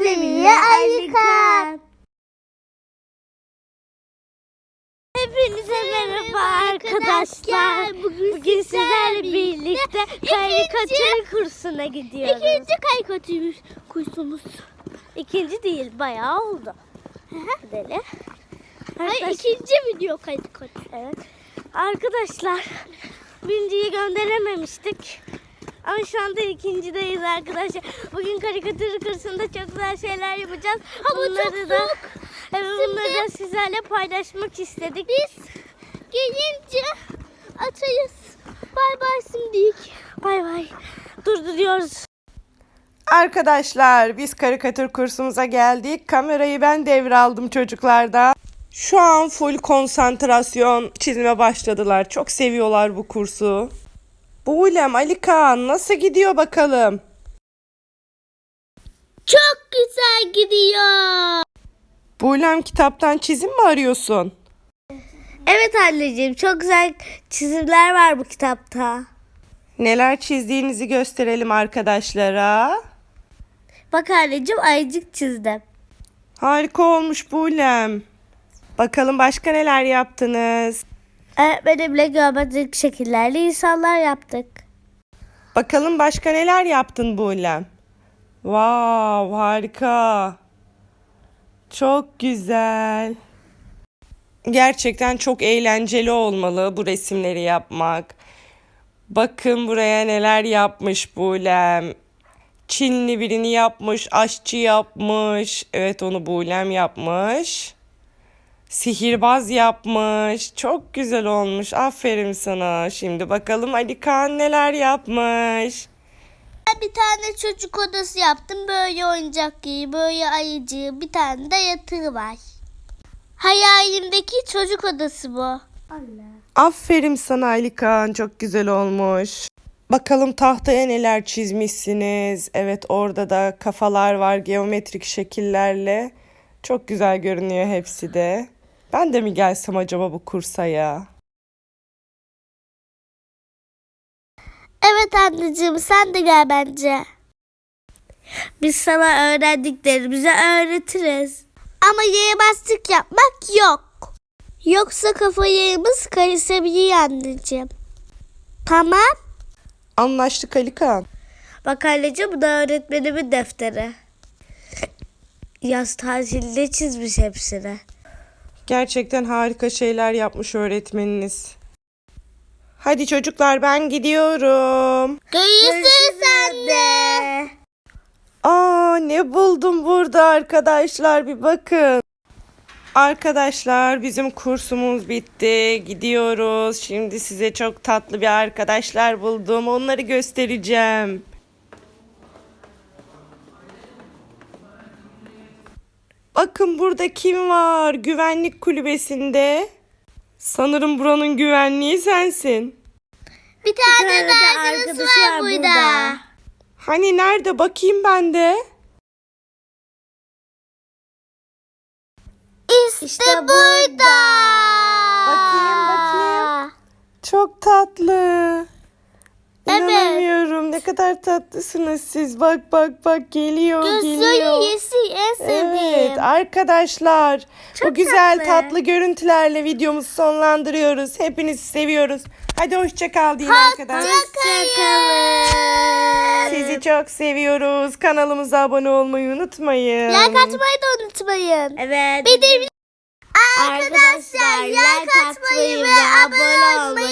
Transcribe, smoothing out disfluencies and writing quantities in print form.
Alemiye Alikan. Hepinize merhaba arkadaşlar. Bugün sizlerle birlikte karikatür kursuna gidiyoruz. İkinci karikatür kursumuz. İkinci değil, bayağı oldu. Deli. Hayır, ikinci video karikatür. Evet. Arkadaşlar, birinciyi gönderememiştik. Ama şu anda ikincideyiz arkadaşlar. Bugün karikatür kursunda çok güzel şeyler yapacağız. Bunları da sizlerle paylaşmak istedik. Biz gelince açarız. Bay bay şimdilik. Bay bay. Durduruyoruz. Arkadaşlar biz karikatür kursumuza geldik. Kamerayı ben devraldım çocuklardan. Şu an full konsantrasyon çizime başladılar. Çok seviyorlar bu kursu. Buğlem, Alikan nasıl gidiyor bakalım? Çok güzel gidiyor. Buğlem kitaptan çizim mi arıyorsun? Evet anneciğim, çok güzel çizimler var bu kitapta. Neler çizdiğinizi gösterelim arkadaşlara. Bak anneciğim, ayıcık çizdim. Harika olmuş Buğlem. Bakalım başka neler yaptınız? Öğretmenimle geometrik şekillerle insanlar yaptık. Bakalım başka neler yaptın Buğlem? Wow, harika. Çok güzel. Gerçekten çok eğlenceli olmalı bu resimleri yapmak. Bakın buraya neler yapmış Buğlem. Çinli birini yapmış, aşçı yapmış. Evet, onu Buğlem yapmış. Sihirbaz yapmış. Çok güzel olmuş. Aferin sana. Şimdi bakalım Alikan neler yapmış. Ben bir tane çocuk odası yaptım. Böyle oyuncak gibi, böyle ayıcı, bir tane de yatağı var. Hayalimdeki çocuk odası bu. Aferin sana Alikan. Çok güzel olmuş. Bakalım tahtaya neler çizmişsiniz. Evet, orada da kafalar var geometrik şekillerle. Çok güzel görünüyor hepsi de. Ben de mi gelsem acaba bu kursa ya? Evet anneciğim, sen de gel bence. Biz sana öğrendiklerimizi öğretiriz. Ama yere bastık yapmak yok. Yoksa kafayımız karışabilir anneciğim. Tamam. Anlaştık Alikan. Bak anneciğim, bu da öğretmenimin defteri. Yaz tatilinde çizmiş hepsini. Gerçekten harika şeyler yapmış öğretmeniniz. Hadi çocuklar, ben gidiyorum. Görüşürüz anne. Aa, ne buldum burada arkadaşlar, bir bakın. Arkadaşlar, bizim kursumuz bitti. Gidiyoruz. Şimdi size çok tatlı bir arkadaşlar buldum. Onları göstereceğim. Bakın burada kim var? Güvenlik kulübesinde. Sanırım buranın güvenliği sensin. Bir tane de arkadaşı var burada. Hani nerede? Bakayım ben de. İşte burada. Bakayım. Çok tatlı. İnanamıyorum. Ne kadar tatlısınız siz. Bak geliyor. Gözleri yeşil, en sevdiğim. Evet arkadaşlar, bu güzel tatlı görüntülerle videomuzu sonlandırıyoruz. Hepinizi seviyoruz. Hadi hoşça kal deyin arkadaşlar. Hoşçakalın. Sizi çok seviyoruz. Kanalımıza abone olmayı unutmayın. Like atmayı da unutmayın. Evet. Bir de arkadaşlar like atmayı ve abone olmayı